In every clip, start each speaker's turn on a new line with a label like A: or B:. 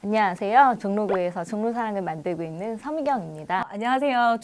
A: 안녕하세요. 종로구에서 종로사랑을 만들고 있는 서미경입니다.
B: 안녕하세요.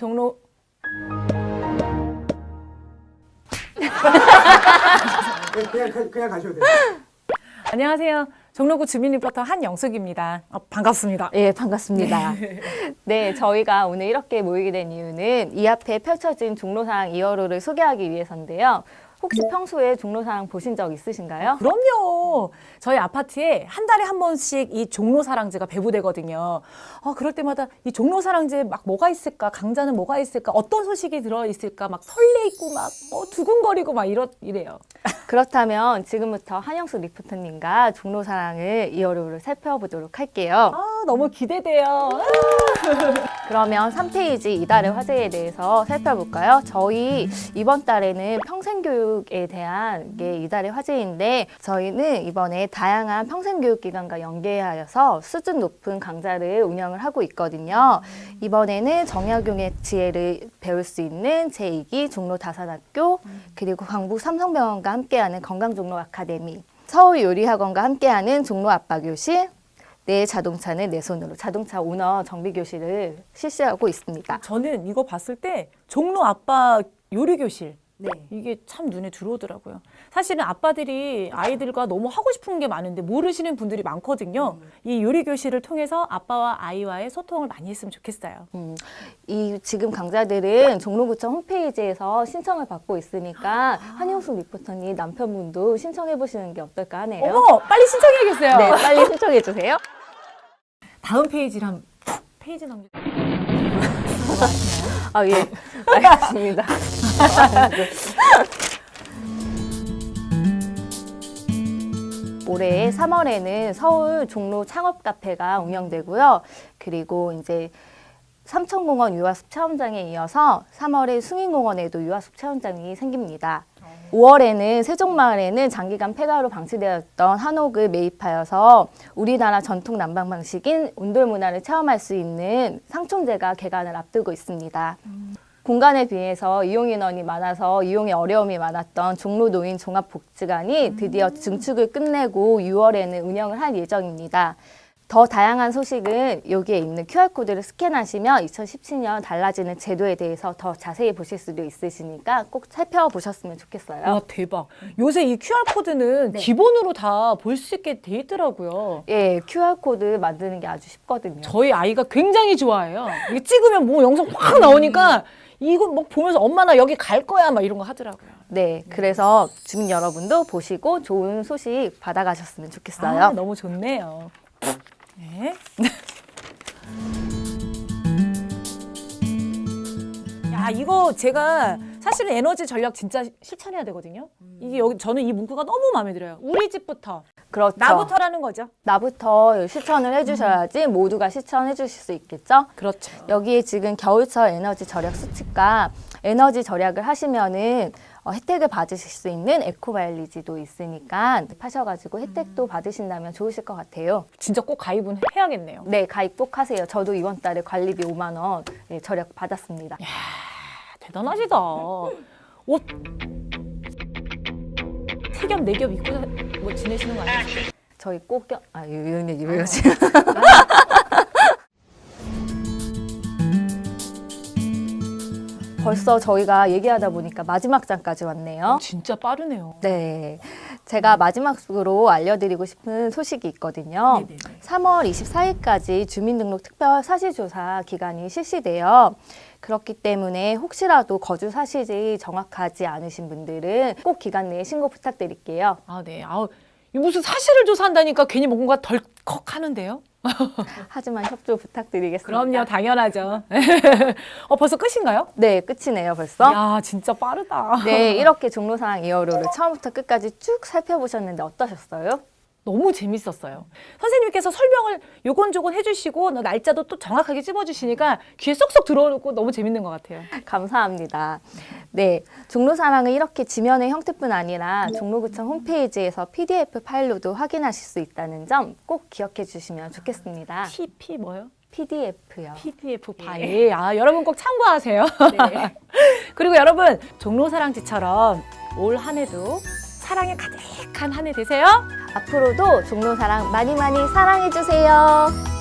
C: 그냥 가셔도 돼요.
B: 안녕하세요. 종로구 주민 리포터 한영숙입니다. 반갑습니다.
A: 예, 반갑습니다. 네, 저희가 오늘 이렇게 모이게 된 이유는 이 앞에 펼쳐진 종로사랑 2월호를 소개하기 위해서인데요. 혹시 평소에 종로사랑 보신 적 있으신가요?
B: 그럼요. 저희 아파트에 한 달에 한 번씩 이 종로사랑제가 배부되거든요. 그럴 때마다 이 종로사랑제에 막 뭐가 있을까? 강좌는 뭐가 있을까? 어떤 소식이 들어있을까? 막 설레있고 막 두근거리고 막 이래요.
A: 그렇다면 지금부터 한영숙 리포터님과 종로사랑을 2월호를 살펴보도록 할게요.
B: 너무 기대돼요.
A: 그러면 3페이지 이달의 화제에 대해서 살펴볼까요? 저희 이번 달에는 평생교육에 대한 게 이달의 화제인데 저희는 이번에 다양한 평생교육기관과 연계하여서 수준 높은 강좌를 운영을 하고 있거든요. 이번에는 정약용의 지혜를 배울 수 있는 제2기 종로 다산학교 그리고 광북 삼성병원과 함께하는 건강종로 아카데미 서울요리학원과 함께하는 종로 아빠교실 내 자동차는 내 손으로 자동차 오너 정비 교실을 실시하고 있습니다.
B: 저는 이거 봤을 때 종로 아빠 요리교실
A: 네.
B: 이게 참 눈에 들어오더라고요. 사실은 아빠들이 아이들과 너무 하고 싶은 게 많은데 모르시는 분들이 많거든요. 이 요리교실을 통해서 아빠와 아이와의 소통을 많이 했으면 좋겠어요.
A: 이 지금 강좌들은 종로구청 홈페이지에서 신청을 받고 있으니까 한영숙 리포터님 남편분도 신청해 보시는 게 어떨까 하네요.
B: 어머, 빨리 신청해야겠어요.
A: 네, 빨리 신청해 주세요.
B: 다음 페이지를 한 페이지 넘겨.
A: 아, 예. 알겠습니다. 올해 3월에는 서울 종로 창업 카페가 운영되고요. 그리고 이제 삼천공원 유아숲 체험장에 이어서 3월에 숭인공원에도 유아숲 체험장이 생깁니다. 5월에는 세종마을에는 장기간 폐가로 방치되었던 한옥을 매입하여서 우리나라 전통 난방 방식인 온돌 문화를 체험할 수 있는 상촌제가 개관을 앞두고 있습니다. 공간에 비해서 이용 인원이 많아서 이용에 어려움이 많았던 종로 노인 종합복지관이 드디어 증축을 끝내고 6월에는 운영을 할 예정입니다. 더 다양한 소식은 여기에 있는 QR코드를 스캔하시면 2017년 달라지는 제도에 대해서 더 자세히 보실 수도 있으시니까 꼭 살펴보셨으면 좋겠어요.
B: 와, 대박. 요새 이 QR코드는
A: 네.
B: 기본으로 다 볼 수 있게 돼 있더라고요.
A: 예, QR코드 만드는 게 아주 쉽거든요.
B: 저희 아이가 굉장히 좋아해요. 이게 찍으면 뭐 영상 확 나오니까 이거 막 보면서 엄마 나 여기 갈 거야 막 이런 거 하더라고요.
A: 네, 그래서 주민 여러분도 보시고 좋은 소식 받아가셨으면 좋겠어요.
B: 너무 좋네요. 네. 야, 이거 제가 사실은 에너지 전략 진짜 실천해야 되거든요. 이게 여기 저는 이 문구가 너무 마음에 들어요. 우리 집부터,
A: 그렇죠.
B: 나부터라는 거죠.
A: 나부터 실천을 해주셔야지 모두가 실천해 주실 수 있겠죠?
B: 그렇죠.
A: 여기에 지금 겨울철 에너지 절약 수칙과 에너지 절약을 하시면은 혜택을 받으실 수 있는 에코마일리지도 있으니까 파셔가지고 혜택도 받으신다면 좋으실 것 같아요.
B: 진짜 꼭 가입은 해야겠네요.
A: 네, 가입 꼭 하세요. 저도 이번 달에 관리비 5만 원 절약 받았습니다.
B: 대단하시다. 옷 3겹, 4겹 입고 뭐 지내시는 거 아니에요?
A: 저희 꼭 이런 얘기를 하지. 벌써 저희가 얘기하다 보니까 마지막 장까지 왔네요.
B: 진짜 빠르네요.
A: 네, 제가 마지막으로 알려드리고 싶은 소식이 있거든요.
B: 네네네.
A: 3월 24일까지 주민등록 특별 사실조사 기간이 실시돼요. 그렇기 때문에 혹시라도 거주 사실이 정확하지 않으신 분들은 꼭 기간 내에 신고 부탁드릴게요.
B: 네. 이 무슨 사실을 조사한다니까 괜히 뭔가 덜컥 하는데요?
A: 하지만 협조 부탁드리겠습니다.
B: 그럼요, 당연하죠. 벌써 끝인가요?
A: 네, 끝이네요, 벌써.
B: 야, 진짜 빠르다.
A: 네, 이렇게 종로사랑 2월호를 처음부터 끝까지 쭉 살펴보셨는데 어떠셨어요?
B: 너무 재밌었어요. 선생님께서 설명을 요건조건 해주시고 날짜도 또 정확하게 찝어주시니까 귀에 쏙쏙 들어오고 너무 재밌는 것 같아요.
A: 감사합니다. 네, 종로사랑은 이렇게 지면의 형태뿐 아니라 종로구청 홈페이지에서 PDF 파일로도 확인하실 수 있다는 점 꼭 기억해 주시면 좋겠습니다.
B: TP 뭐요?
A: PDF요.
B: PDF 파일. 여러분 꼭 참고하세요.
A: 네.
B: 그리고 여러분 종로사랑지처럼 올 한 해도 사랑에 가득한 한 해 되세요.
A: 앞으로도 종로사랑 많이 많이 사랑해주세요.